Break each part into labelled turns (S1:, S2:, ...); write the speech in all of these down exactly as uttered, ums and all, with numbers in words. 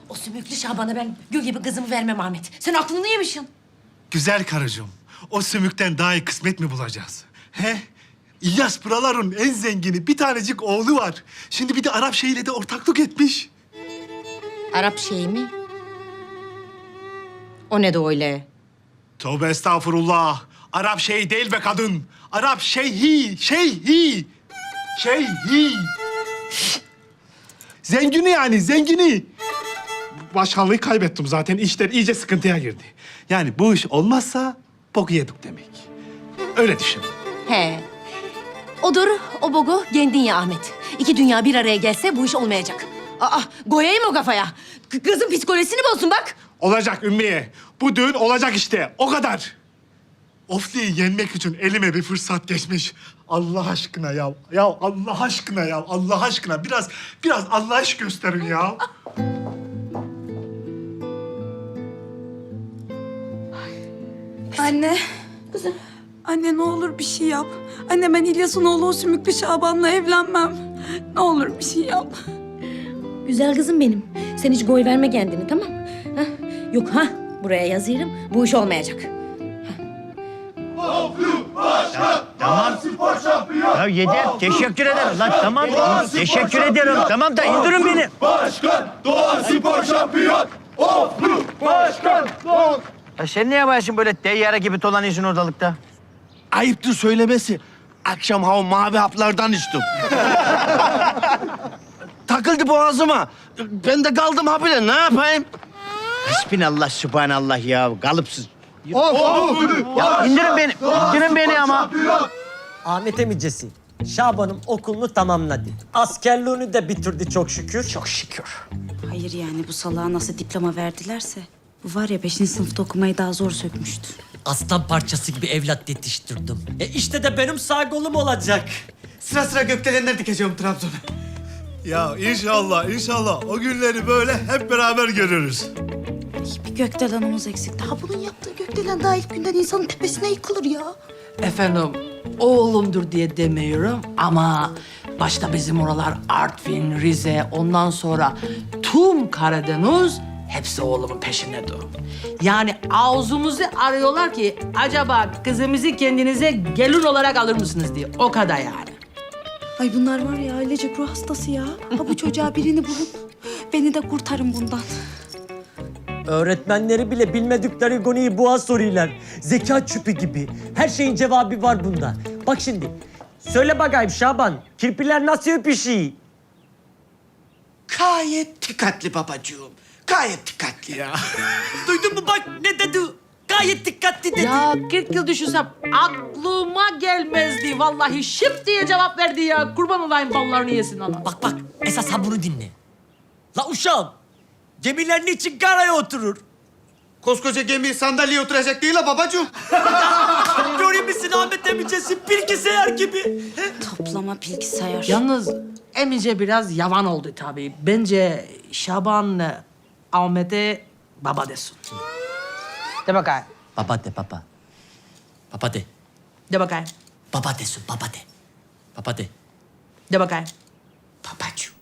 S1: O sümüklü Şaban'a ben gül gibi kızımı vermem Ahmet. Sen aklını yemişsin.
S2: Güzel karıcığım, o sümükten daha iyi kısmet mi bulacağız? He? İlyas Pıralar'ın en zengini bir tanecik oğlu var. Şimdi bir de Arap şeyiyle de ortaklık etmiş.
S1: Arap şeyi mi? O ne de öyle?
S2: Tövbe estağfurullah. Arap şeyi değil be kadın. Arap şeyhi, şeyhi. Şeyhi. Zengini yani, zengini. Başkanlığı kaybettim zaten. İşler iyice sıkıntıya girdi. Yani bu iş olmazsa boku yedik demek. Öyle düşün.
S1: He. Odur, o bogu kendin ya Ahmet. İki dünya bir araya gelse bu iş olmayacak. Aa, koyayım o kafaya. K- kızın psikolojisini bozsun bak.
S2: Olacak Ümmiye. Bu düğün olacak işte. O kadar. Ofli'yi yenmek için elime bir fırsat geçmiş. Allah aşkına ya. Ya Allah aşkına ya. Allah aşkına. Biraz, biraz Allah aşk gösterin ya.
S3: Anne.
S1: Kızım.
S3: Anne ne olur bir şey yap. Anne ben İlyas'ın oğlu o sümüklü Şaban'la evlenmem. Ne olur bir şey yap.
S1: Güzel kızım benim. Sen hiç goy verme kendini, tamam mı? Ha? Yok ha, buraya yazıyorum. Bu iş olmayacak.
S4: Ya yeter. Teşekkür ederim lan. Tamam. Teşekkür ederim. Tamam da indirin beni.
S5: Başkan, Doğan Spor Şampiyon. Oflu Başkan, Doğan.
S4: Ya sen ne yapıyorsun böyle teyyare gibi dolanıyorsun ortalıkta?
S5: Ayıptır söylemesi. Akşam hava mavi haplardan içtim. Takıldı boğazıma. Ben de kaldım habire. Ne yapayım?
S4: Hasbinallah, sübhanallah ya. Kalıpsız.
S5: Oflu
S4: Ya indirin beni. İndirin beni ama.
S6: Ahmet emicesi, Şaban'ım okulunu tamamladı. Askerliğini de bitirdi çok şükür. Çok şükür.
S3: Hayır yani bu salağa nasıl diploma verdilerse. Bu var ya beşinci sınıfta okumayı daha zor sökmüştü.
S6: Aslan parçası gibi evlat yetiştirdim. E işte de benim sağ kolum olacak.
S7: Sıra sıra gökdelenler dikeceğim Trabzon'a.
S2: Ya inşallah, inşallah o günleri böyle hep beraber görürüz.
S3: Bir gökdelenimiz eksik. Daha bunun yaptığı gökdelen daha ilk günden insanın tepesine yıkılır ya.
S8: Efendim, oğlumdur diye demiyorum ama başta bizim oralar Artvin, Rize, ondan sonra tüm Karadeniz hepsi oğlumun peşindedir. Yani ağzımızı arıyorlar ki acaba kızımızı kendinize gelin olarak alır mısınız diye. O kadar yani.
S3: Ay bunlar var ya ailecek ruh hastası ya. Ha bu çocuğa birini bulun. Beni de kurtarın bundan.
S6: Öğretmenleri bile bilmedikleri konuyu boğa soruyorlar. Zeka çüpü gibi. Her şeyin cevabı var bunda. Bak şimdi. Söyle bakayım Şaban. Kirpiler nasıl öpüşüyor?
S7: Gayet dikkatli babacığım. Gayet dikkatli ya.
S6: Duydun mu bak ne dedi? Gayet dikkatli dedi.
S8: Ya kırk yıl düşünsem aklıma gelmezdi. Vallahi şıp diye cevap verdi ya. Kurban olayım ballarını yesin ana.
S6: Bak bak esas ha bunu dinle. La uşağım. Gemiler niçin karaya oturur?
S7: Koskoca gemi sandalyeye oturacak değil ha babacığım.
S6: Görüyor musun Ahmet emicesi bilgisayar gibi?
S3: Toplama bilgisayar.
S8: Yalnız Emice biraz yavan oldu tabii. Bence Şaban Ahmet'e baba desin. De bakayım.
S6: Baba de baba. Baba de.
S8: De bakayım.
S6: Baba desin baba de. Baba de.
S8: De bakayım.
S6: Babacığım.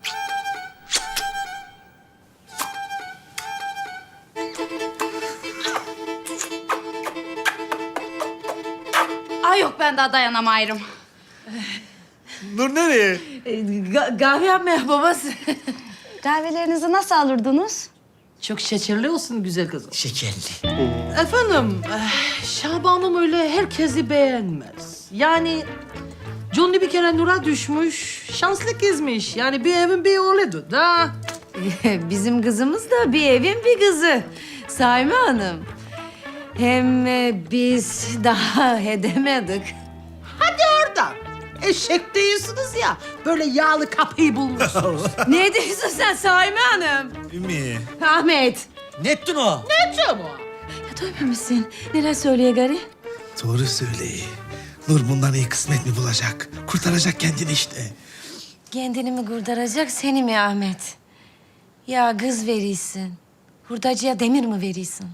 S3: Ay yok ben daha dayanamayırım.
S2: Nur nereye?
S8: E, ga- kahve yapmaya babası.
S3: Kahvelerinizi nasıl alırdınız?
S8: Çok şekerli olsun güzel kızım.
S6: Şekerli.
S8: Efendim, eh, Şaban'ım öyle herkesi beğenmez. Yani Johnny bir kere Nur'a düşmüş, şanslı kızmış. Yani bir evin bir oğludur da.
S1: Bizim kızımız da bir evin bir kızı. Saime Hanım. Hem e, biz daha edemedik.
S8: Hadi oradan. Eşek değilsiniz ya. Böyle yağlı kapıyı bulmuşsunuz.
S1: Ne diyorsun sen Saime Hanım?
S2: Ümmü.
S1: Ahmet.
S6: Ne ettin o?
S8: Ne diyor bu?
S1: Ya duymamışsın. Neler söylüyor gari?
S2: Doğru söyleyi. Nur bundan iyi kısmet mi bulacak? Kurtaracak kendini işte.
S1: Kendini mi kurtaracak seni mi Ahmet? Ya kız verirsin. Hurdacıya demir mi verirsin?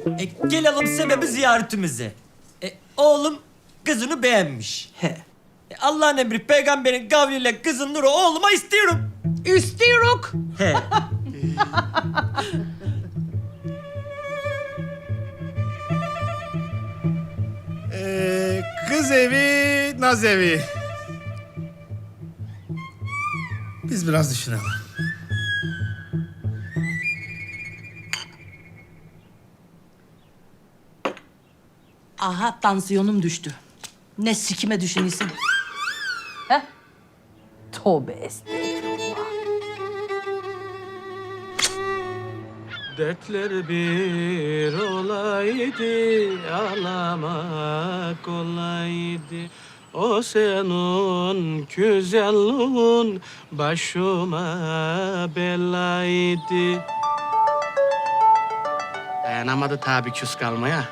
S6: E, gelelim sebebi ziyaretimize. E, oğlum kızını beğenmiş.
S8: He.
S6: E, Allah'ın emri peygamberin kavliyle kızın Nur'u oğluma istiyorum.
S8: İstiyoruk.
S6: He.
S2: Ee, kız evi, naz evi. Biz biraz düşünelim.
S8: Aha tansiyonum düştü. Ne sikime düşünüyorsun? He? Tövbe estağfurullah.
S9: Dertler bir olaydı, ağlamak olaydı. O senin güzelliğin başıma belaydı. Dayanamadı tabii küs kalmaya.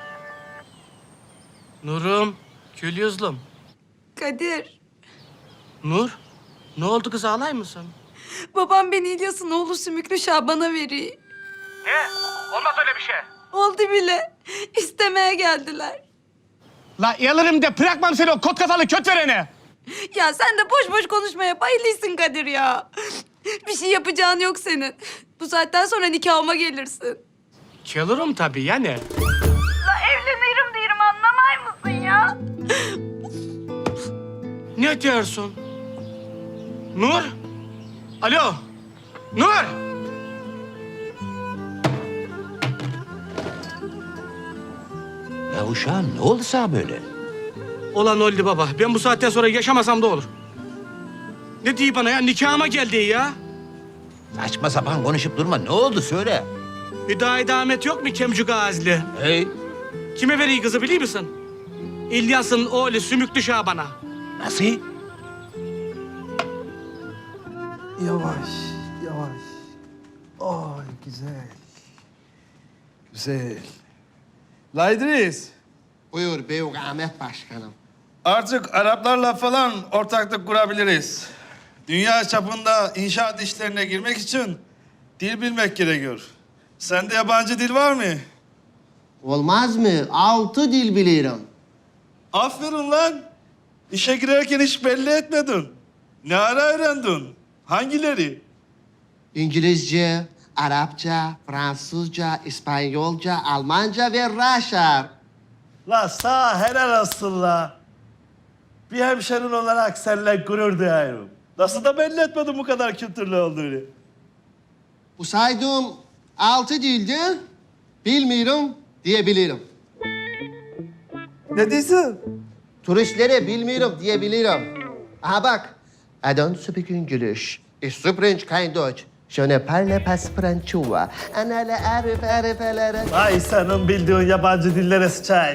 S9: Nurum, kül yüzlüm.
S3: Kadir,
S9: Nur, ne oldu kız ağlay mısın?
S3: babam beni İlyas'ın oğlu Sümüklü Şaban'a veriyor.
S9: Ne? Olmaz öyle bir şey.
S3: Oldu bile. İstemeye geldiler.
S9: La yalırım de bırakmam seni o kot kafalı köt verene.
S3: Ya sen de boş boş konuşmaya bayılıyorsun Kadir ya. Bir şey yapacağın yok senin. Bu saatten sonra nikahıma gelirsin.
S9: Gelirim tabii yani.
S3: La evlenirim diyorum anlamay mısın ya?
S9: Ne diyorsun? Nur? Alo? Nur?
S4: Ya uşağım ne oldu sana böyle?
S9: Olan oldu baba. Ben bu saatten sonra yaşamasam da olur. Ne diyor bana ya? Nikahıma geldi ya.
S4: Saçma sapan konuşup durma. Ne oldu söyle.
S9: Hüdayi Ahmet yok mu Kemcük Azli?
S4: Hey.
S9: Kime veriyor kızı biliyor musun? İlyas'ın oğlu Sümüklü Şaban'a.
S4: Nasıl?
S5: Yavaş, yavaş. Ay güzel. Güzel. La İdris,
S7: Buyur Beyuk Ahmet Başkanım.
S5: artık Araplarla falan ortaklık kurabiliriz. Dünya çapında inşaat işlerine girmek için dil bilmek gerekiyor. Sende yabancı dil var mı?
S7: Olmaz mı? Altı dil bilirim.
S5: Aferin lan. İşe girerken hiç belli etmedin. Ne ara öğrendin? Hangileri?
S7: İngilizce, Arapça, Fransızca, İspanyolca, Almanca ve Raşar.
S5: La sağ helal olsun la. Bir hemşerin olarak seninle gurur duyuyorum. Nasıl da belli etmedin bu kadar kültürlü olduğunu.
S7: Bu saydığım altı dilde bilmiyorum diyebilirim.
S5: Ne diyorsun?
S7: Turistlere bilmiyorum diyebilirim. Aha bak. I don't speak English. Ich spreche kein Deutsch. Je ne parle pas Francois. Anale arif arif alere.
S5: Ay senin bildiğin yabancı dillere sıçayım.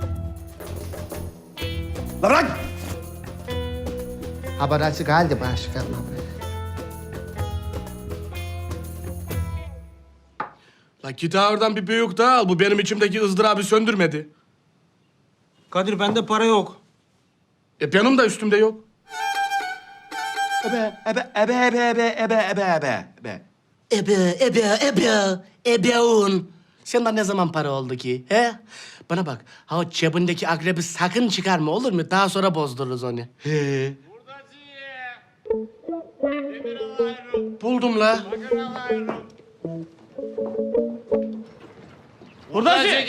S5: La bırak!
S7: Ha burası geldi başkanım.
S9: La git ha oradan bir büyük daha al. Bu benim içimdeki ızdırabı söndürmedi.
S6: Kadir bende para yok.
S9: E benim de üstümde yok.
S4: Ebe, ebe, ebe, ebe, ebe, ebe, ebe, ebe, ebe.
S9: Ebe, ebe, ebe, ebeun. Senden ne zaman para oldu ki? He? Bana bak, ha o cebindeki akrebi sakın çıkarma olur mu? Daha sonra bozdururuz onu. He. Buldum la. Buradacı.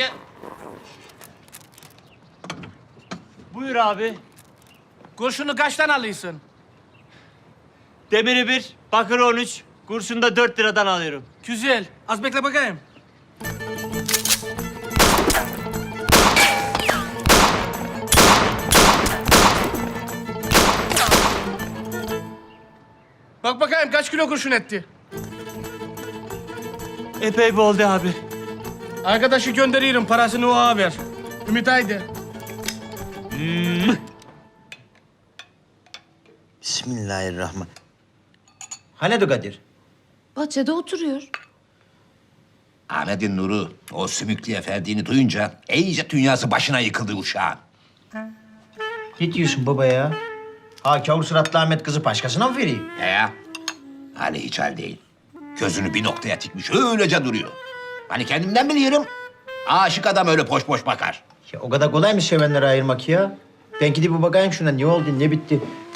S6: Buyur abi.
S9: Kurşunu kaçtan alıyorsun?
S6: Demiri bir, bakır on üç. Kurşunu da dört liradan alıyorum.
S9: Güzel. Az bekle bakayım. Bak bakayım kaç kilo kurşun etti.
S6: Epey bir oldu abi.
S9: Arkadaşı gönderiyorum parasını o haber. Ümit haydi.
S4: Bismillahirrahmanirrahim. Hani Kadir?
S1: Bahçede oturuyor.
S4: Ahmet'in Nur'u o sümüklü efendiğini duyunca iyice dünyası başına yıkıldı uşağın.
S10: Ne diyorsun baba ya? Ha kavur suratlı Ahmet kızı başkasına mı vereyim?
S4: He ya. Hani hiç hal değil. Gözünü bir noktaya tikmiş öylece duruyor. Hani kendimden biliyorum.
S10: Aşık adam öyle boş boş bakar.
S4: Ya o kadar kolay mı sevenleri ayırmak ya? Ben gidip bir bakayım şuna ne oldu ne bitti.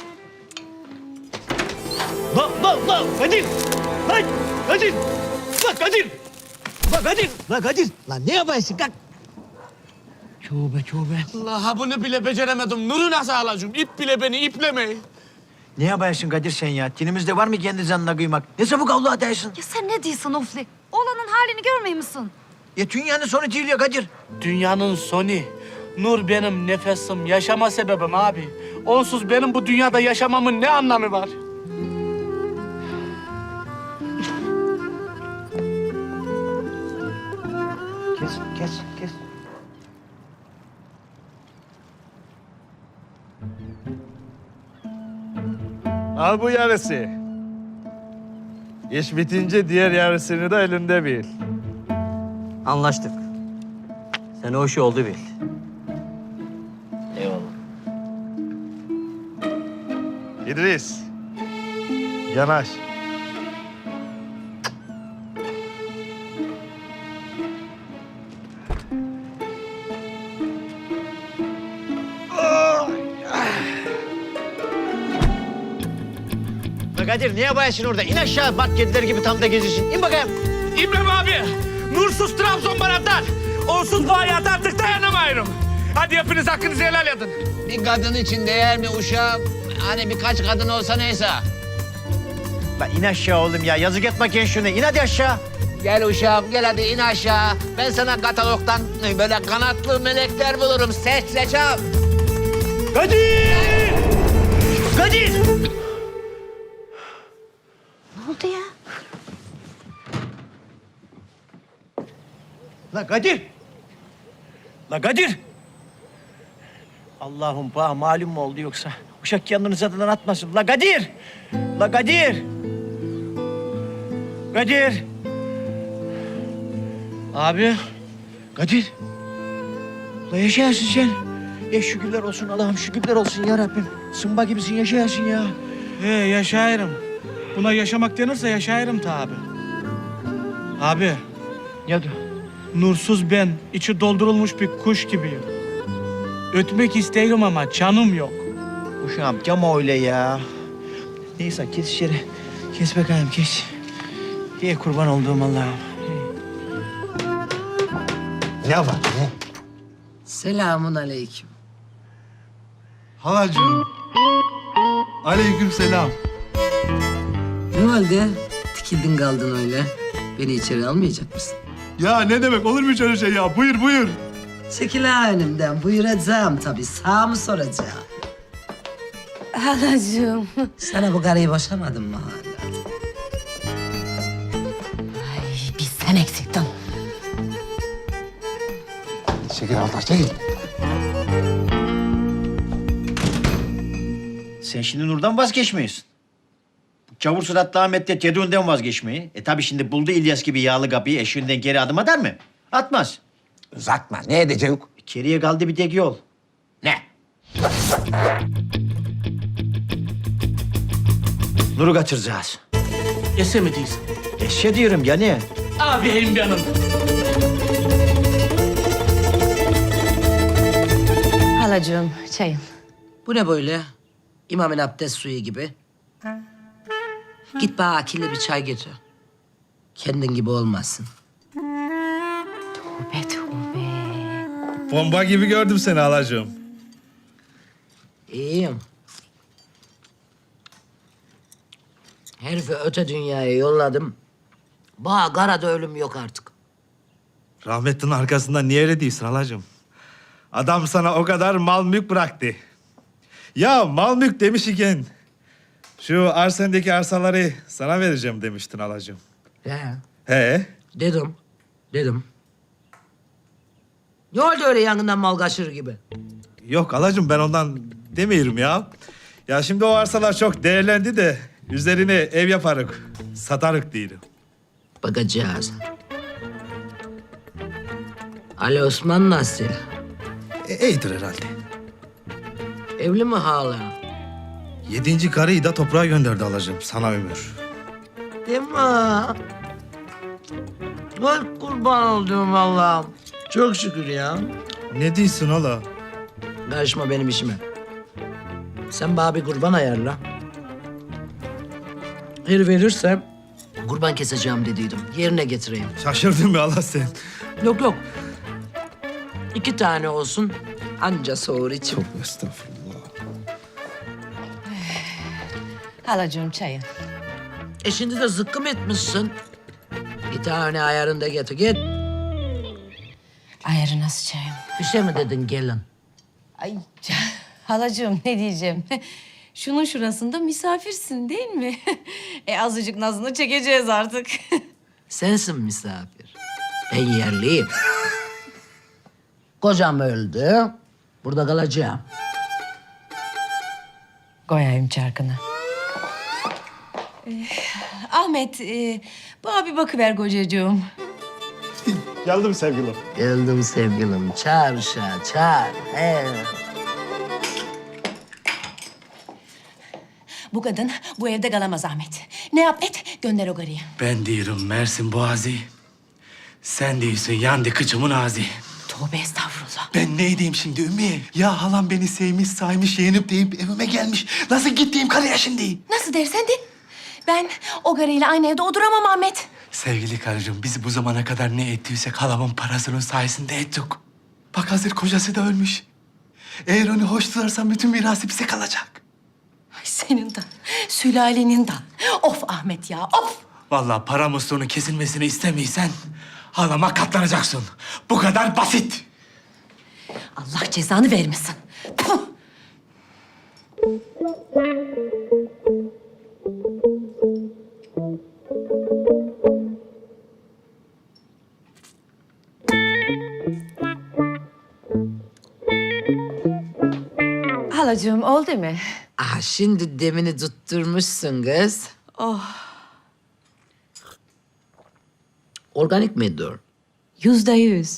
S6: Lan lan lan Kadir! Lan Kadir! Lan Kadir! Lan Kadir! Lan Kadir! Lan ne yapıyorsun kalk? Tövbe tövbe. Allah bunu bile beceremedim. Nur'u nasıl alacağım? İp bile beni iplemeyin.
S4: Ne yapıyorsun Kadir sen ya? Dinimizde var mı kendi canına kıymak? Ne çabuk Allah dersin?
S3: Ya sen ne diyorsun Ofli? Oğlanın halini görmüyor musun?
S4: Ya dünyanın sonu değil ya Kadir.
S9: Dünyanın sonu. Nur benim nefesim, yaşama sebebim abi. Onsuz benim bu dünyada yaşamamın ne anlamı var?
S4: Kes, kes, kes.
S5: Al bu yarısı. İş bitince diğer yarısını da elinde bil.
S4: Anlaştık. Sen o işi oldu bil. Eyvallah.
S5: İdris. Yanaş.
S4: La Kadir ne yapıyorsun orada? İn aşağı bak kediler gibi tam da gezirsin. İn bakayım.
S9: İbrahim abi, Nursuz Trabzon bana dar. Onsuz bu hayata artık dayanamıyorum. Hadi hepiniz hakkınızı helal edin.
S11: Bir kadın için değer mi uşağım? Hani birkaç kadın olsa neyse.
S4: La in aşağı oğlum ya. Yazık etme genç şuna. İn hadi aşağı.
S11: Gel uşağım, gel hadi in aşağı. Ben sana katalogdan böyle kanatlı melekler bulurum. Seç seçam.
S4: Kadir! Kadir!
S3: Ne oldu ya?
S4: La Kadir! La Kadir! Allah'ım bana malum mu oldu yoksa? Uşak kendini zaten atmasın. La Kadir! La Kadir! Kadir!
S9: Abi,
S4: Kadir! La yaşayasın sen. Ya şükürler olsun Allah'ım şükürler olsun ya Rabbim. Sımba gibisin yaşayasın ya.
S9: he yaşayırım. Buna yaşamak denirse yaşayırım tabi. Abi,
S4: Ne oldu?
S9: nursuz ben, içi doldurulmuş bir kuş gibiyim. Ötmek isterim ama canım yok.
S4: Uşağım cama öyle ya. Neyse kes içeri. Kes bakayım kes. Diye kurban olduğum Allah'ım.
S7: Ne var ne?
S8: Selamun aleyküm.
S5: Halacığım. Aleyküm selam.
S8: Ne oldu? Tikildin kaldın öyle. Beni içeri almayacak mısın?
S2: Ya ne demek olur mu hiç öyle şey ya? Buyur buyur.
S8: Çekil ha önümden. Buyuracağım tabii. Sağ mı soracağım?
S1: Halacığım.
S8: Sana bu karıyı boşamadın mı hala?
S1: Ay, biz sen eksiktin.
S7: Çekil Allah çekil.
S4: Sen şimdi Nur'dan vazgeçmiyorsun. Çavur suratlı Ahmet de Tedun'dan vazgeçmeyi. E tabii şimdi buldu İlyas gibi yağlı kapıyı eşiğinden geri adım atar mı? Atmaz.
S10: Uzatma. Ne edecek?
S4: Geriye kaldı bir tek yol.
S10: Ne?
S4: Nur'u kaçıracağız.
S9: Yese mi değilsin?
S4: Eşe diyorum ya ne?
S9: Abim benim.
S1: Halacığım çayın.
S8: Bu ne böyle? İmamın abdest suyu gibi. Git bana akıllı bir çay getir. Kendin gibi olmasın.
S1: Tövbe tövbe.
S5: Bomba gibi gördüm seni halacığım.
S8: İyiyim. Herifi öte dünyaya yolladım. Bana karada ölüm yok artık.
S5: Rahmetlinin arkasından niye öyle değilsin halacığım? Adam sana o kadar mal mülk bıraktı. Ya mal mülk demiş iken şu arsendeki arsaları sana vereceğim demiştin halacığım.
S8: He.
S5: He?
S8: Dedim. Dedim. Ne oldu öyle yangından mal kaçırır gibi?
S5: Yok halacığım ben ondan demiyorum ya. Ya şimdi o arsalar çok değerlendi de üzerine ev yaparık, satarık diyelim.
S8: Bakacağız. Ali Osman nasıl?
S5: E, iyidir herhalde.
S8: Evli mi hala?
S5: Yedinci karıyı da toprağa gönderdi halacığım sana ömür.
S8: Değil mi? Ay kurban olduğum Allah'ım. Çok şükür ya.
S5: Ne diyorsun ola?
S8: Karışma benim işime. Sen bana bir kurban ayarla. Her verirse kurban keseceğim dediydim. Yerine getireyim.
S5: Şaşırdın mı Allah sen?
S8: Yok yok. İki tane olsun. Anca soğur içim.
S5: Estağfurullah.
S1: Halacığım çayı.
S8: E şimdi de zıkkım etmişsin. Bir tane ayarında getir. Git.
S1: Ayarı nasıl çayım?
S8: Bir şey mi dedin gelin?
S1: Ay halacığım ne diyeceğim? Şunun şurasında misafirsin değil mi? e azıcık nazını çekeceğiz artık.
S8: Sensin misafir. Ben yerliyim. Kocam öldü. Burada kalacağım.
S1: Koyayım çarkını. Ee, Ahmet, e, bana bir bakıver kocacığım.
S2: Geldim sevgilim.
S8: Geldim sevgilim. Çağır uşağı, çağır. He.
S1: Bu kadın bu evde kalamaz Ahmet. Ne yap et, gönder o garıyı.
S9: Ben diyorum Mersin Boğazı. Sen değilsin yandı kıçımın ağzı.
S1: Tövbe estağfurullah.
S2: Ben ne edeyim şimdi Ümmü? Ya halam beni sevmiş, saymış, yeğenip deyip evime gelmiş. Nasıl gittiğim karıya şimdi?
S1: Nasıl dersen de. Ben o garıyla aynı evde oturamam Ahmet.
S9: Sevgili karıcığım, biz bu zamana kadar ne ettiysek halamın parasının sayesinde ettik. Bak hazır kocası da ölmüş. Eğer onu hoş tutarsan bütün mirası bize kalacak.
S1: Ay senin de, sülalenin de. Of Ahmet ya, of!
S9: Vallahi para musluğunun kesilmesini istemiysen halama katlanacaksın. Bu kadar basit.
S1: Allah cezanı vermesin. Puh! Halacığım oldu mu?
S8: Ah şimdi demini tutturmuşsun kız.
S1: Oh,
S8: Organik midir?
S1: yüzde yüz.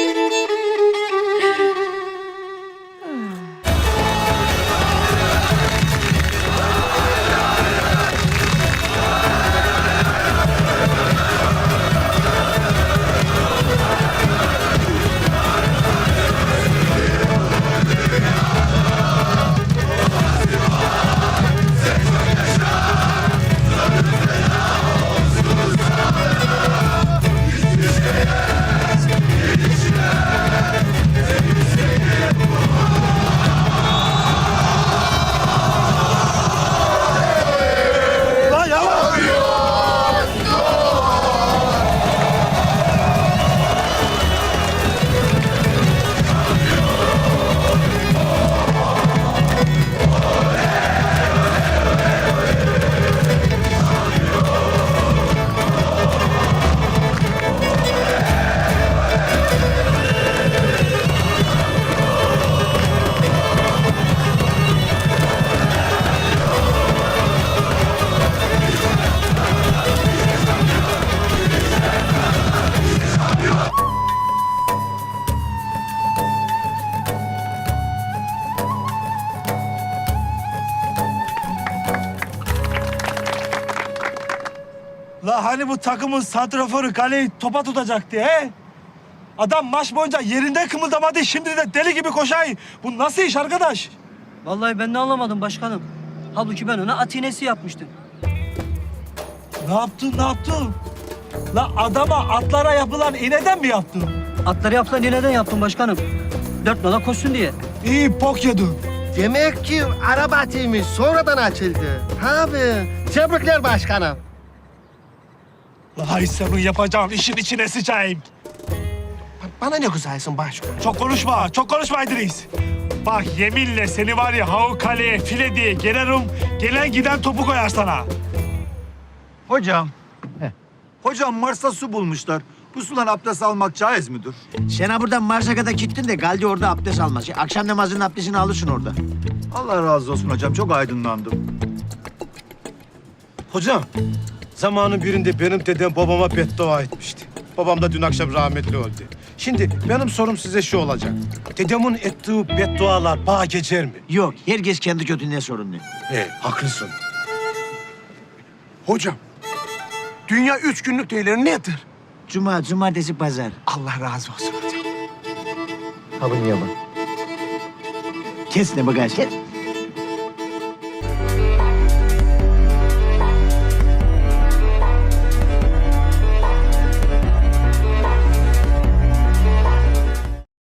S5: La hani bu takımın santraforu kaleyi topa tutacaktı he? Adam maç boyunca yerinde kımıldamadı, şimdi de deli gibi koşay. Bu nasıl iş arkadaş?
S6: Vallahi ben de anlamadım başkanım. Halbuki ben ona atinesi yapmıştım.
S5: Ne yaptın, ne yaptın? La adama atlara yapılan iğneden mi yaptın?
S6: Atları yapsan neden yaptım başkanım? Dört nala koşsun diye.
S5: İyi bok yedin.
S7: Demek ki araba atıymış, sonradan açıldı. Abi, tebrikler başkanım.
S5: La hay senin yapacağın işin içine sıçayım.
S7: Bana ne güzelsin başkanım.
S5: Çok konuşma, çok konuşma İdris. Bak yeminle seni var ya havu kaleye file diye gelirim, gelen giden topu koyar sana.
S12: Hocam. Hocam Mars'ta su bulmuşlar. Bu sudan abdest almak caiz midir?
S4: Sen ha buradan Mars'a kadar gittin de Galdi orada abdest almaz. Akşam namazının abdestini alırsın orada.
S12: Allah razı olsun hocam. Çok aydınlandım.
S13: Hocam, zamanın birinde benim dedem babama beddua etmişti. Babam da dün akşam rahmetli öldü. Şimdi benim sorum size şu olacak. Dedemin ettiği beddualar bana geçer mi?
S4: Yok, herkes kendi kötülüğüne sorumlu.
S13: He, haklısın. Hocam, dünya üç günlük değerleri nedir?
S4: Cuma, cumartesi, pazar.
S7: Allah razı olsun hocam.
S10: Sabun yaba. Kes ne bagaj kes.